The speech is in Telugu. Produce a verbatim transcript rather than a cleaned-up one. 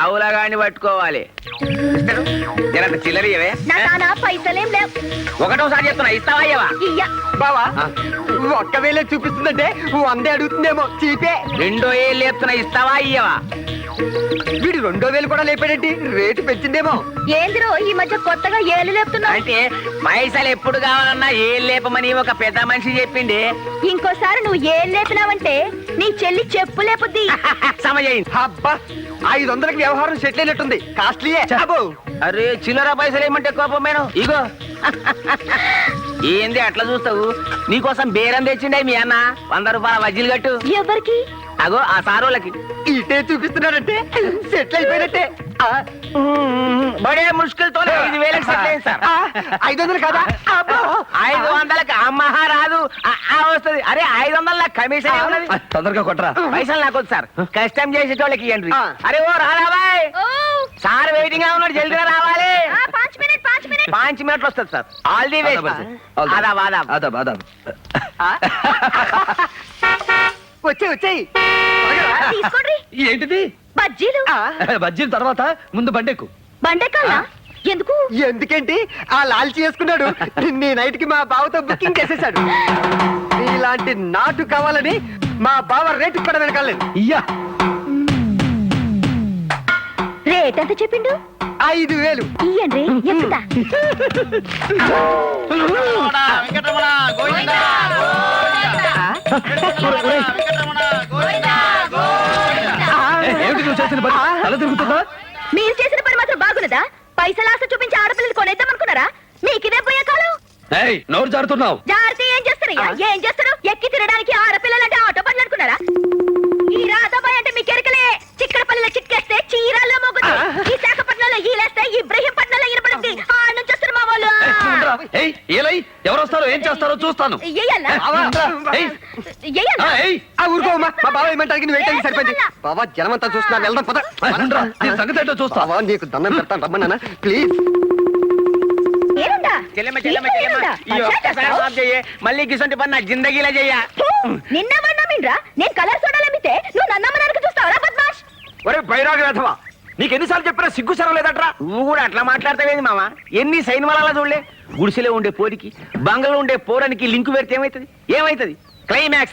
పావులగాని పట్టుకోవాలి. జరంత చిల్లరియవే పైసలేం లేవు. ఒకటోసారి చెప్తున్నా, ఇస్తావా అయ్యవా? బావా ఒక్క వేలే చూపిస్తుందంటే వందే అడుగుతుందేమో చీపే. రెండో ఏళ్ళు లేపుతున్నా, ఇస్తావా అయ్యవా? వీడు రెండో వేలు కూడా లేపాడేంటి? రేటు పెంచిందేమో. ఏందిరో ఈ మధ్య కొత్తగా ఏళ్ళు లేపుతున్నా? అంటే పైసలు ఎప్పుడు కావాలన్నా ఏళ్ళు లేపమని ఒక పెద్ద మనిషి చెప్పింది. ఇంకోసారి నువ్వు ఏళ్ళు లేపినావంటే నీ చెల్లి చెప్పు లేపుద్ది. సమజైంది. అబ్బా ఐదు వందలకి వ్యవహారం సెటిల్ అయినట్టుంది. కాస్ట్లీయే. అరే చిల్లర పైసలు ఏమంటే కోపమేను. ఇగో ఏంది అట్లా చూస్తావు? నీకోసం బేరం తెచ్చిండే మీ అన్న. వంద రూపాయల వజ్జీలు కట్టు. ఎవరికి? అగో ఆ సారోళ్ళకి. ఇటే చూపిస్తున్నాడంటే సెటిల్ అయిపోయినట్టే. బడే ముష్కిల్తో ఐదు వేలకు సెటిల్ అయింది సార్. ఐదు వందలు కదా? ఐదు వందలకి అమ్మహా రాదు వస్తుంది. అరే ఐదు వందల కమిషన్ ఉన్నది. తొందరగా కొట్టరా. పైసలు నాకు వద్దు సార్, కష్టం చేసేటోళ్ళకి ఇవ్వండి. అరే ఓ రాబాయ్, సార్ వెయిటింగ్ గా ఉన్నాడు, జల్దీగా రావాలి. పాంచ్ మినిట్లు వస్తుంది సార్. All the way. ఆదాబ్ ఆదాబ్ ఆదాబ్ ఆదాబ్. వచ్చే వచ్చేయి. తీసుకోండి. ఏంటిది? బజ్జీలు. బజ్జీల తర్వాత ముందు బండెక్కు. బండెక్కాలా? ఎందుకు? ఎందుకేంటి, ఆ లాల్చి చేసుకున్నాడు. నీ నైట్ కి మా బావతో బుకింగ్ చేసేసాడు. ఇలాంటి నాటు కావాలని మా బావ రేటు కూడా వెనకాలేదు. ఇయ్యా రేట్ ఎంత చెప్పిండు? ఐదు వేలు. ఇయ్యండి. ఎక్కుతా. మీరు చేసిన పని మాత్రం బాగున్నదా? పైసలు ఆశ చూపించి ఆడపిల్లలు కొనేద్దాం అనుకున్నారా? మీకు ఇదే పోయే కాలం. నోరు జారుతున్నావు. జాగ్రత్త. ఏం చేస్తారయ్యా? ఏం చేస్తారు? ఎక్కి తినడానికి ఆడపిల్లలంటే ఆటో పనులు అనుకున్నారా? ఈ రాధాబాయ్ అంటే మీకు ఎరకలే. చిక్కడపల్లిలో చిక్కేస్తే చీరాల్లో మోగుతుంది. విశాఖపట్నంలో ఈలేస్తే ఇబ్రహీంపట్నంలో ఇనపడుద్ది. ఆ నుంచి వస్తారు మా వాళ్ళు. ఎవరు వస్తారో ఏం చేస్తారో చూస్తాను. ఊరుకోమా, మా బావ ఏమంటానికి నువ్వు ఏంటని సరిపోయింది. బావా జనమంతా చూస్తున్నా, వెళ్దాం పద. సంగతి ఏంటో చూస్తావా? నీకు దండం పెడతాను, రమ్మన్నా ప్లీజ్. మళ్ళీ గిసంటి పని నా జిందగీలా చెయ్య. నిన్నమన్నామిండ్రా నేను కలర్ సోడాలు అమ్మితే నువ్వు నన్నమ్మడానికి చూస్తావా బద్మాష్? ఒరే బైరాగ వేధవా, నీకు ఎన్నిసార్లు చెప్పినా సిగ్గు సరం లేదట్రా. నువ్వు కూడా అట్లా మాట్లాడతావేంది మామ? ఎన్ని సైన్ వల్ల చూడలే. గుడిసెలో ఉండే పోరికి బంగళలో ఉండే పోరానికి లింకు పెడితే ఏమైతుంది? ఏమైతుంది? క్లైమాక్స్